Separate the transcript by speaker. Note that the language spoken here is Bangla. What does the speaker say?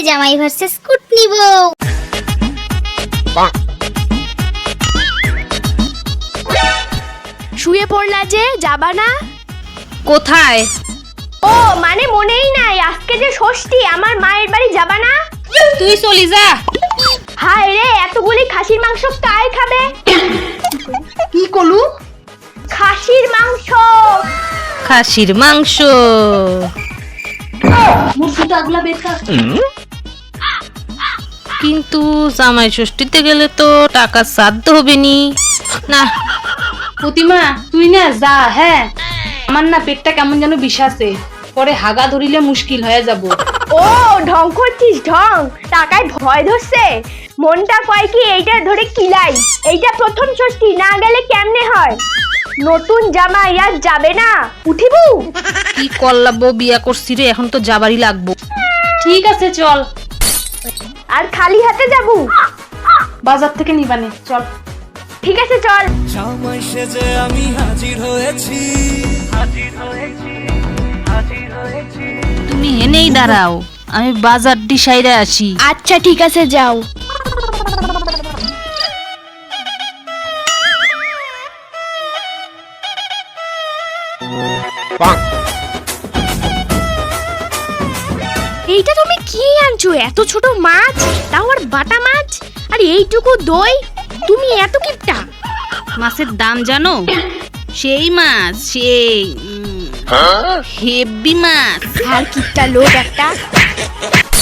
Speaker 1: জামাই ভার্সেস কুটনি বউ।
Speaker 2: শুয়ে পড়লা যে, যাবা না?
Speaker 3: কোথায়?
Speaker 2: ও মানে মনেই নাই, আজকে যে ষষ্ঠী, আমার মায়ের বাড়ি যাবা না?
Speaker 3: তুই চলি যা।
Speaker 2: হায় রে, এতগুলি খাসির মাংস কায় খাবে?
Speaker 3: কি কলু?
Speaker 2: খাসির মাংস।
Speaker 3: খাসির মাংস। কিন্তু জামাই ষষ্ঠীতে গেলে তো টাকা সাধ্য হবে নি না।
Speaker 4: প্রতিমা তুই না যা। হ্যাঁ, আমার না পেটটা কেমন যেন বিষাছে, পরে হাগা ধরিলে মুশকিল হয়ে যাব।
Speaker 2: ও ঢং করছিস ঢং, টাকায় ভয় ধরছে। মনটা কয় কি এইটা ধরে কিলাই, এইটা প্রথম ষষ্ঠী, না গেলে কেমনে হয়? নতুন জামাই আর যাবে না, উঠিবু?
Speaker 3: কি করলাবো, বিয়া করছি রে, এখন তো যাবারই লাগবো।
Speaker 4: ঠিক আছে চল,
Speaker 2: আর খালি হাতে যাবু?
Speaker 4: বাজার থেকে নিবানে চল।
Speaker 2: ঠিক আছে চল।
Speaker 5: জামাই সেজে আমি হাজির হয়েছি।
Speaker 3: তুমি এনেই দাঁড়াও, আমি বাজার ডিসাইডে আসি।
Speaker 2: আচ্ছা ঠিক আছে যাও। এইটা তুমি কি আনছো? এত ছোট মাছ, তাও আর বাটা মাছ, আর এইটুকু দই, তুমি এত কিপটা?
Speaker 3: মাছের দাম জানো? সেই মাছ, সেই হেভি মাছ।
Speaker 2: আর কিপটা লোক একটা।